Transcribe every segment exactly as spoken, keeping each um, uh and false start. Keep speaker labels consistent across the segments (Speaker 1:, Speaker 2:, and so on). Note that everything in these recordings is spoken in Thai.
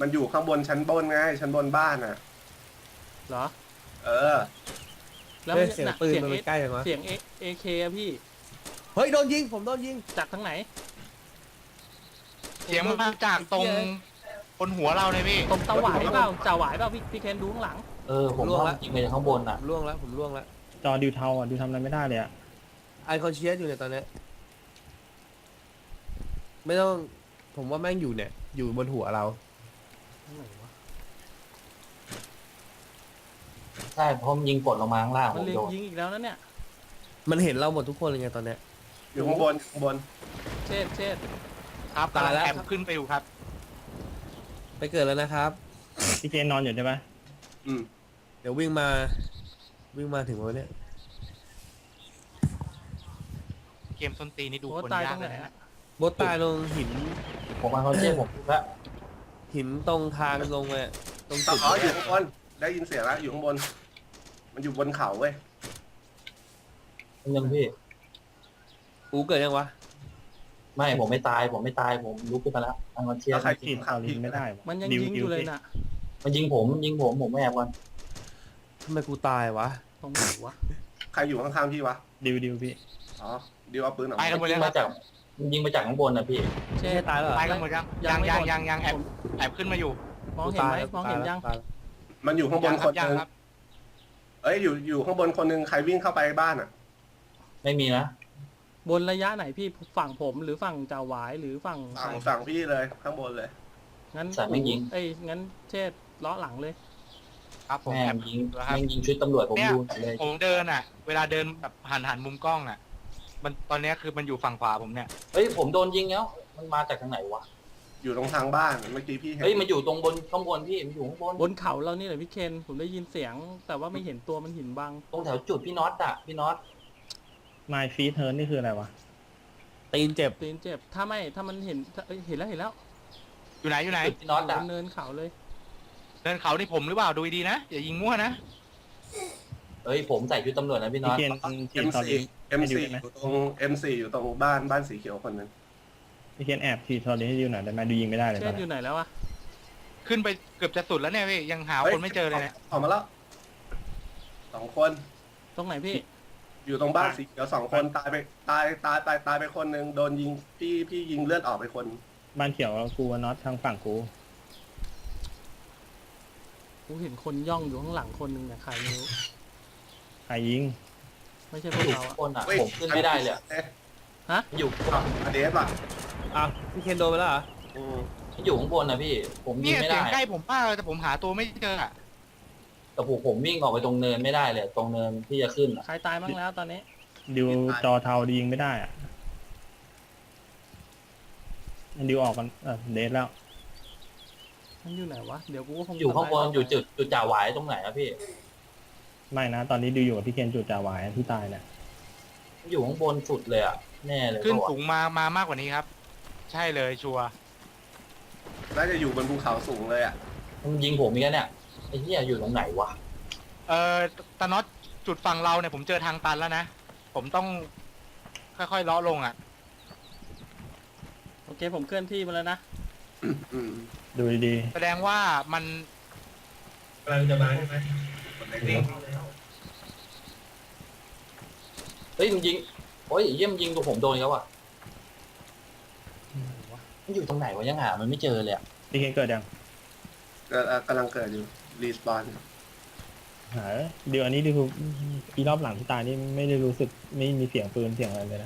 Speaker 1: มันอยู่ข้างบนชั้นบนไงชั้นบนบ้านอ่ะ
Speaker 2: เหรอ
Speaker 1: เออ
Speaker 2: แล้ว
Speaker 3: เฮ้
Speaker 2: มั
Speaker 3: ย
Speaker 2: น
Speaker 3: เสียง
Speaker 2: น่ะ
Speaker 3: ปืน
Speaker 2: เสียง
Speaker 3: มัน
Speaker 2: เอ
Speaker 3: ไปใกล้ยังวะ
Speaker 2: เสียงเอเอเคอะพี่
Speaker 3: เฮ้ยโดนยิงผมโดนยิง
Speaker 2: จากทางไหน
Speaker 4: เสียงมันมาจากตรงบนหัวเราเลยพี่
Speaker 2: ตรงตะหวายเปล่าจ่าหวายเปล่าพี่พี่เคนดูข้างหลัง
Speaker 5: เออผมว่ายิงไปข้างบนอ่ะ
Speaker 3: ผมล่วงแล้วผมล่วงแล้ว
Speaker 6: จอดิวเทาอ่ะดิวทำอะไรไม่ได้เลยอ่ะ
Speaker 3: ไอคอนเชียสอยู่เนี่ยตอนเนี้ยไม่ต้องผมว่าแม่งอยู่เนี่ยอยู่บนหัวเรา
Speaker 2: ไหนวะ
Speaker 5: ใช่เพราะมันยิงกดลงมาข้างล่าง
Speaker 2: มั
Speaker 5: ผ
Speaker 2: น
Speaker 5: ม
Speaker 2: เล็ง
Speaker 5: โดน
Speaker 2: ยิงอีกแล้วนะเนี่ย
Speaker 3: มันเห็นเราหมดทุกคนเลยไงตอนเนี้ย
Speaker 1: อยู่ข้างบนข้างบน
Speaker 2: เช็ดเช็ด
Speaker 4: ครับ
Speaker 3: ตายแล้ว
Speaker 4: แอบขึ้นไปอยู่ครับ
Speaker 3: ไปเกิดแล้วนะครับ
Speaker 6: พี่เจนนอนอยู่ใช่ปะ
Speaker 1: อืม
Speaker 3: เดี๋ยววิ่งมาวิ่งมาถึงวันเนี้ย
Speaker 4: เกมส้นตีนนี่ดู
Speaker 2: โอ้
Speaker 4: คน
Speaker 2: ตาย
Speaker 4: ยา
Speaker 2: ตร
Speaker 4: ก
Speaker 2: ง
Speaker 4: เล
Speaker 2: ไหน
Speaker 4: ย
Speaker 2: อะ
Speaker 4: นะ
Speaker 3: บดตายลงหิน
Speaker 5: ผมมาเขาเชื่อผมถูกแล้ว
Speaker 3: หินตรงทางลงไปตรง
Speaker 1: ต่
Speaker 3: จุด
Speaker 1: อ๋ออยู่ข้างบนได้ยินเสียงแล้วอยู่ข้างบน มันอยู่บนเขาเว้ย
Speaker 5: ยังพี่
Speaker 3: กูเกิดยังวะ
Speaker 5: ไม่ผมไม่ตายผมไม่ตายผมลุกขึ้นมาแล้วอันมันเชีย
Speaker 1: แล้ว
Speaker 5: ร์
Speaker 1: ใคร
Speaker 6: ติ
Speaker 1: กิ
Speaker 6: ด
Speaker 1: น
Speaker 6: ตอ
Speaker 1: ข้าว
Speaker 6: ลิ
Speaker 1: พี่
Speaker 6: นไม่ได้วะ
Speaker 2: มันยัง
Speaker 6: ดิว
Speaker 2: ยิง
Speaker 6: ดิ
Speaker 2: อ
Speaker 6: ว
Speaker 2: ยู่เลย
Speaker 6: สิ
Speaker 2: น่ะ
Speaker 5: มันยิงผมมันยิงผมผมไม่แอบก่อน
Speaker 3: ทำไมกูตายวะ
Speaker 2: ตรงไหนวะ
Speaker 1: ใครอยู่ข้างๆพี่วะ
Speaker 6: ดิวดิวพี่
Speaker 1: อ๋อดิวเอาปืนออก
Speaker 4: ไป
Speaker 1: มา
Speaker 4: กันหม
Speaker 5: มัน
Speaker 4: ด
Speaker 5: ยิ
Speaker 4: แล้
Speaker 5: ง
Speaker 4: วค
Speaker 5: มา
Speaker 4: รับ
Speaker 5: จากมันยิงมาจากข้างบนนะพี่
Speaker 2: เช็
Speaker 3: ไม่
Speaker 2: ด
Speaker 3: ตายแล้วเหรอ
Speaker 4: ไปกันหมดยัง
Speaker 2: ยั
Speaker 4: ยัง ง
Speaker 2: ไม่
Speaker 4: ยัง
Speaker 2: หมด
Speaker 4: ยังยังแอบแอบขึ้นมาอยู่
Speaker 2: มอง
Speaker 3: กู
Speaker 2: เห็น
Speaker 3: ตาย
Speaker 2: ไหม
Speaker 3: แล้ว
Speaker 2: มองเห็นยัง
Speaker 3: ตาแล้ว
Speaker 1: มันอยู่ข้างบนคน
Speaker 4: ยั
Speaker 1: ห
Speaker 4: ง
Speaker 1: นึง
Speaker 4: ครับ
Speaker 1: เอ้ยอยู่อยู่ข้างบนคนหนึงใครวิ่งเข้าไปบ้านอ่ะ
Speaker 5: ไม่มีนะ
Speaker 2: บนระยะไหนพี่ฝั่งผมหรือฝั่งจ่าหวายหรือฝั่ง
Speaker 1: ฝั่งฝั่งพี่เลยข้างบนเลย
Speaker 2: งั้น
Speaker 5: สายไม่ยิง
Speaker 2: เอ้ยงั้นเช็ดล้อหลังเลย
Speaker 4: ครับผม
Speaker 5: แม่
Speaker 4: แอบ
Speaker 5: งยิง
Speaker 4: แล้วครับ
Speaker 5: แม่งยิงชุดตำรวจผม
Speaker 4: เนี่ย
Speaker 5: ดูเลย
Speaker 4: ผมเดินอ่ะ เวลาเดินแบบหันหันมุมกล้องอ่ะ มันตอนเนี้ยคือมันอยู่ฝั่งขวาผมเนี่ย
Speaker 5: เฮ้ยผมโดนยิงแล้วมันมาจากทางไหนวะ
Speaker 1: อยู่ตรงทางบ้านเมื่อกี้พี่เห็น
Speaker 5: เฮ้ยมันอยู่ตรงบนข้างบนพี่มันอยู่ข้างบน
Speaker 2: บนเขาเรานี่แหละพี่เคนผมได้ยินเสียง แต่ว่าไม่เห็นตัวมันหินบัง
Speaker 5: ตรงแถวจุดพี่น็อตอ่ะพี่น็อต
Speaker 6: ไมฟีเทิร์นนี่คืออะไรวะ
Speaker 3: ตีนเจ็บ
Speaker 2: ตีนเจ็บถ้าไม่ถ้ามันเห็นถ้าเอ้ยเห็นแล้วเห็นแล้ว
Speaker 4: อยู่ไหนอยู่ไหน
Speaker 5: จุดพี่น็อต
Speaker 2: บ
Speaker 5: อ่ะ
Speaker 2: นเนินเขาเลย
Speaker 4: เดินเขานี่ผมหรือเปล่าดูดีๆนะอย่ายิงมั่วนะ
Speaker 5: เฮ้ยผมใส่ชุดตำรวจนะพี่น็
Speaker 6: พี่
Speaker 5: อต
Speaker 6: เจนฉี
Speaker 1: เอ็
Speaker 6: ด
Speaker 1: ม
Speaker 6: ตอ
Speaker 1: ซี
Speaker 6: ลิน
Speaker 1: เอ็ม
Speaker 6: ให้ดิว
Speaker 1: ซี
Speaker 6: ได้ไหม
Speaker 1: อยู่ตรงเอ็มซีอยู่ตรงบ้านบ้านสีเขียวคนหนึง
Speaker 6: พี่เจนแอบฉีดตอลินให้ดิวหน่อยได้ไหมดิวยิงไม่ได้เลยต
Speaker 2: เช็
Speaker 6: อน
Speaker 2: ดอ
Speaker 6: นี้
Speaker 2: ยู่ไหนแล้วอะ
Speaker 4: ขึ้นไปเกือบจะสุดแล้วเนี่ยพี่ยังหาคนไม่เจอเลยเนี่ย
Speaker 1: ออกมาแล้วสองคน
Speaker 2: ตรงไหนพี่
Speaker 1: อยู่ตรงบ้านสีเขียวสองคนตายไปตายตายตายตายไปคนหนึ่งโดนยิงพี่พี่ยิงเลือดออกไปคน
Speaker 6: บ้านเขียวกูน็อตทางฝั่งกู
Speaker 2: กูเห็นคนย่องอยู่ข้างหลังคนหนึ่งเนี่ยใครไม่รู้
Speaker 6: ใครยิง
Speaker 2: ไม่ใช่พวก
Speaker 5: อยู่
Speaker 2: เรา
Speaker 5: ข้าง
Speaker 2: อะ
Speaker 5: บนอ่ะ
Speaker 1: เฮ้ย
Speaker 5: ผมขึ้นไม่ได้เลยอะ
Speaker 1: เอ๊ะ
Speaker 5: อยู่ข้างบน
Speaker 1: อเดฟอ่ะ
Speaker 3: อ่ะพี่เคนโดนไปแล้วเหรอ
Speaker 1: อืม
Speaker 5: อยู่ข้างบนนะพี่ ผมยิ
Speaker 4: เนี่
Speaker 5: ง
Speaker 4: ย
Speaker 5: ไม่
Speaker 4: เสีย
Speaker 5: ได้
Speaker 4: งใกล้ผมมากเลยแต่ผมหาตัวไม่เจออ่ะ
Speaker 5: แต่ผมผมวิ่งออกไปตรงเนินไม่ได้เลย ตรงเนินที่จะขึ้นอ่ะ
Speaker 2: ใครตายบ้างแล้วตอนนี้
Speaker 6: ดิวจอเทาดิวยิงไม่ได้อ่ะดิวออกกันเออเดทแล้ว
Speaker 2: มันอยู่ไหนวะเดี๋ยวกูก็คง
Speaker 5: อยู่ข้างบน
Speaker 2: ทำล
Speaker 5: อยู่จุดจุดจ่าหวายตรงไหนอะพี่
Speaker 6: ไม่นะ ตอนนี้ดิวอยู่กับพี่เคนจุดจ่าหวายที่ตายเนี่ย
Speaker 5: อยู่ข้างบนสุดเลยอ่ะแน่เลย
Speaker 4: ขึ้น
Speaker 5: เพราะว่า
Speaker 4: สูงมามามากกว่านี้ครับ ใช่เลยชัวร์
Speaker 1: น่าจะอยู่บนภูเขาสูงเลยอ่ะ
Speaker 5: มันยิงผมอีกแล้วเนี่ยไอ้เหี้ยอยู่ตรงไหนวะ
Speaker 4: เอ่อตาน็อตจุดฝั่งเราเนี่ยผมเจอทางตันแล้วนะ ผมต้องค่อยๆเลาะลงอ่ะ
Speaker 2: โอเคผมเคลื่อนที่มาแล้วนะ
Speaker 1: อืม
Speaker 6: ดูดี
Speaker 4: แสดงว่ามัน
Speaker 1: กำลังจะมาใช่ไหมคนไหนนิ่ง
Speaker 5: เฮ้ยมันยิงโอ้ยไอ้เยี่ยมนยิงตัวผมโดนอีกแล้วอ่ะมันอยู่ตรงไหนวะยังหามันไม่เจอเลยอ่ะ
Speaker 6: ๆพี่เคนเกิดยัง
Speaker 1: เกิดเอ่อกำลังเกิดอยู่รีสปอน
Speaker 6: หาเดี๋ยวอันนี้ดิวปีรอบหลังที่ตายนี่ไม่ได้รู้สึกไม่มีเสียงปืนเสียงอะไรเลยนะ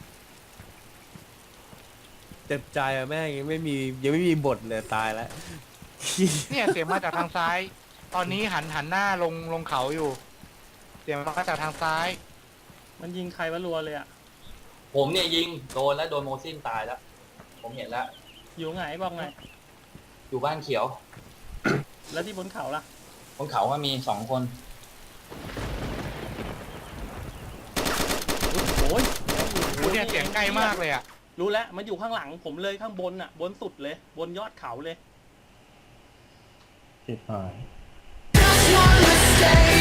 Speaker 3: เจ็บใจอะแม่งยังไม่มียังไม่มีบทเลยตายแล้ว
Speaker 4: เนี่ยเสียงมาจากทางซ้าย ตอนนี้หันหันหน้าลงลงเขาอยู่ เสียงมาจากทางซ้าย
Speaker 2: มันยิงใครวะรัวเลยอะ
Speaker 5: ผมเนี่ยยิงโดนแล้วโดนโมซินตายแล้ว ผมเห็นแล้ว
Speaker 2: อยู่ไหนบอกไง
Speaker 5: อยู่บ้านเขียว
Speaker 2: แล้วที่บนเขาล่ะ
Speaker 5: บนเขาว่ามีสองคน
Speaker 2: โอ้ย
Speaker 4: โอ้เนี่ยเสียงใกล้มากเลยอ่ะ
Speaker 2: รู้แล้วมันอยู่ข้างหลังผมเลยข้างบนอะบนสุดเลย บนยอดเขาเลย
Speaker 6: ติดหาย
Speaker 7: Just one mistake